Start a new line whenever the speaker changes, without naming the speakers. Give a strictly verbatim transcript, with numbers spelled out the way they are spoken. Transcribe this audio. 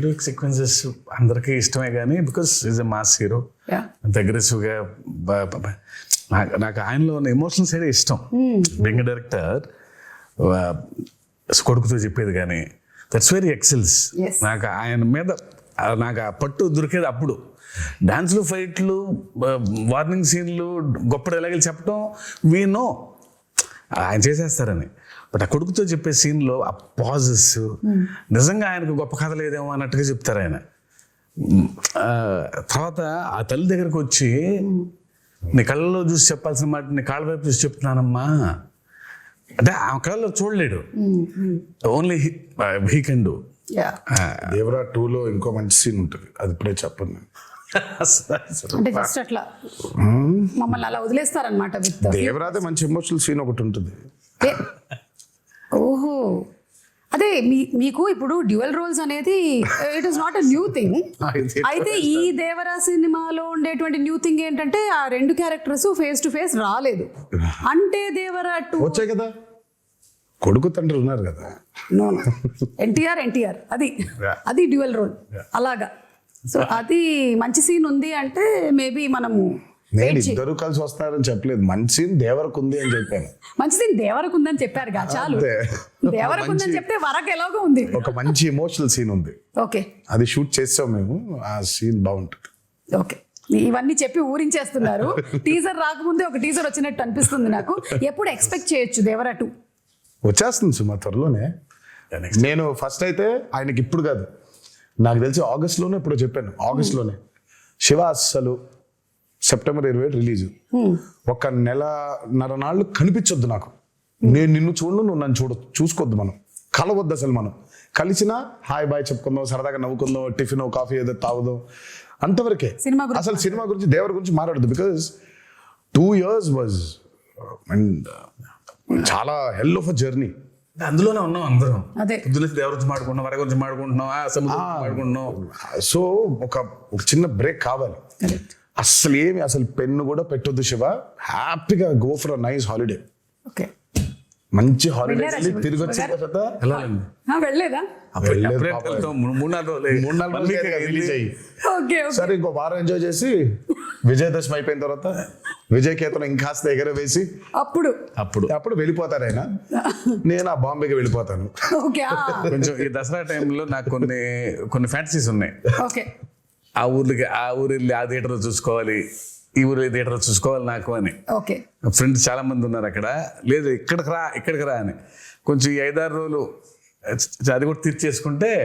Heroic sequences అందరికీ ఇష్టమే కానీ because is a mass hero, అంత అగ్రెసివ్గా నాకు నాకు ఆయనలో ఉన్న ఎమోషనల్ సైడ్ ఇష్టం. బెంగ డైరెక్టర్ కొడుకుతో చెప్పేది కానీ దట్స్ వెరీ ఎక్సెల్స్. నాకు ఆయన మీద నాకు ఆ పట్టు దొరికేది అప్పుడు. డాన్స్లు, ఫైట్లు, వార్నింగ్ సీన్లు, గొప్ప డైలాగులు చెప్పడం వీ నో ఆయన చేసేస్తారని. బట్ ఆ కొడుకుతో చెప్పే సీన్లో ఆ పాజెస్ నిజంగా ఆయనకు గొప్ప కథ లేదేమో అన్నట్టుగా చెప్తారు ఆయన. తర్వాత ఆ తల్లి దగ్గరకు వచ్చి నీ కళ్ళలో చూసి చెప్పాల్సిన మాట నీ కాళ్ళ వైపు చూసి చెప్తున్నానమ్మా అంటే ఆ కళ్ళలో చూడలేడు, only he can do.
Devara టూలో ఇంకో మంచి సీన్ ఉంటుంది, అది ఇప్పుడే చెప్పండి.
అంటే జస్ట్ అట్లా మమ్మల్ని అలా వదిలేస్తారనమాట.
దేవరాదే మంచి ఎమోషనల్ సీన్ ఒకటి ఉంటుంది.
ఓహో, అదే మీ మీకు ఇప్పుడు డ్యూయల్ రోల్స్ అనేది it is not a new thing. అయితే ఈ దేవరా సినిమాలో ఉండేటువంటి న్యూ థింగ్ ఏంటంటే ఆ రెండు క్యారెక్టర్స్ ఫేస్ టు ఫేస్ రాలేదు. అంటే దేవరా టూ
వచ్చాయి కదా, కొడుకు తండ్రి ఉన్నారు కదా.
నో ఎన్టీఆర్ ఎన్టీఆర్ అది అది డ్యూయల్ రోల్ అలాగా. సో అది మంచి సీన్ ఉంది అంటే మేబీ మనము
నేను ఇద్దరు కలిసి వస్తారని చెప్పలేదు, మంచి సీన్ దేవరకు ఉంది అని చెప్పాను.
మంచి సీన్ దేవరకు ఉందని చెప్పారు కా చాలు. దేవరకు ఉందని చెప్తే వరకు ఎలాగో ఉంది,
ఒక మంచి ఎమోషనల్ సీన్ ఉంది.
ఓకే,
అది షూట్ చేసాం మేము, ఆ సీన్ బాగుంటుంది.
ఓకే, ఇవన్నీ చెప్పి ఊరించేస్తున్నారు. టీజర్ రాకముందే ఒక టీజర్ వచ్చినట్టు అనిపిస్తుంది నాకు. ఎప్పుడు ఎక్స్పెక్ట్ చేయొచ్చు దేవరా టూ?
వచ్చేస్తుంది సుమా త్వరలోనే. నేను ఫస్ట్ అయితే ఆయనకి ఇప్పుడు కాదు, నాకు తెలిసి ఆగస్ట్లోనే ఇప్పుడు చెప్పాను, ఆగస్ట్లోనే శివ అస్సలు సెప్టెంబర్ ఇరవై ఏడు రిలీజ్. ఒక నెలన్నర నాళ్ళు కనిపించొద్దు నాకు, నేను నిన్ను చూడను, నువ్వు నన్ను చూడ చూసుకోవద్దు, మనం కలవద్దు అసలు. మనం కలిసినా హాయ్ బాయ్ చెప్పుకుందాం, సరదాగా నవ్వుకుందాం, టిఫిన్ కాఫీ ఏదో తాగుదాం, అంతవరకే. అసలు సినిమా గురించి దేవర గురించి మాట్లాడదు. Because two years was and చాలా హెల్ ఆఫ్ అ జర్నీ.
అందులోనే ఉన్నాం అందరం. పొద్దున దేవర గురించి మాడుకుంటున్నాం, వర గురించి మాడుకుంటున్నాం, మాడుకుంటున్నాం.
సో ఒక ఒక చిన్న బ్రేక్ కావాలి. అసలు ఏమి అసలు పెన్ను కూడా పెట్టొద్దు శివ, హ్యాపీగా go for a nice holiday.
Okay,
మంచి హాలిడే తిరిగి వచ్చిన తర్వాత
వెళ్ళలేదా?
సరే ఇంకో వారం ఎంజాయ్ చేసి విజయదశమి అయిపోయిన తర్వాత విజయ్ కేతనం ఇంకాస్త ఎగర వేసి
అప్పుడు
అప్పుడు
అప్పుడు వెళ్ళిపోతారు ఆయన, నేను ఆ బాంబేకి వెళ్ళిపోతాను.
కొంచెం ఈ దసరా టైంలో నాకు కొన్ని కొన్ని ఫ్యాంటసీస్ ఉన్నాయి.
ఓకే,
ఆ ఊర్లకి ఆ ఊరు వెళ్ళి ఆ థియేటర్ చూసుకోవాలి, ఈ ఊరు థియేటర్ చూసుకోవాలి నాకు అని.
ఓకే,
ఫ్రెండ్స్ చాలా మంది ఉన్నారు అక్కడ. లేదు ఇక్కడికి రా ఇక్కడికి రా అని కొంచెం ఈ ఐదారు రోజులు అది కూడా తీర్చేసుకుంటే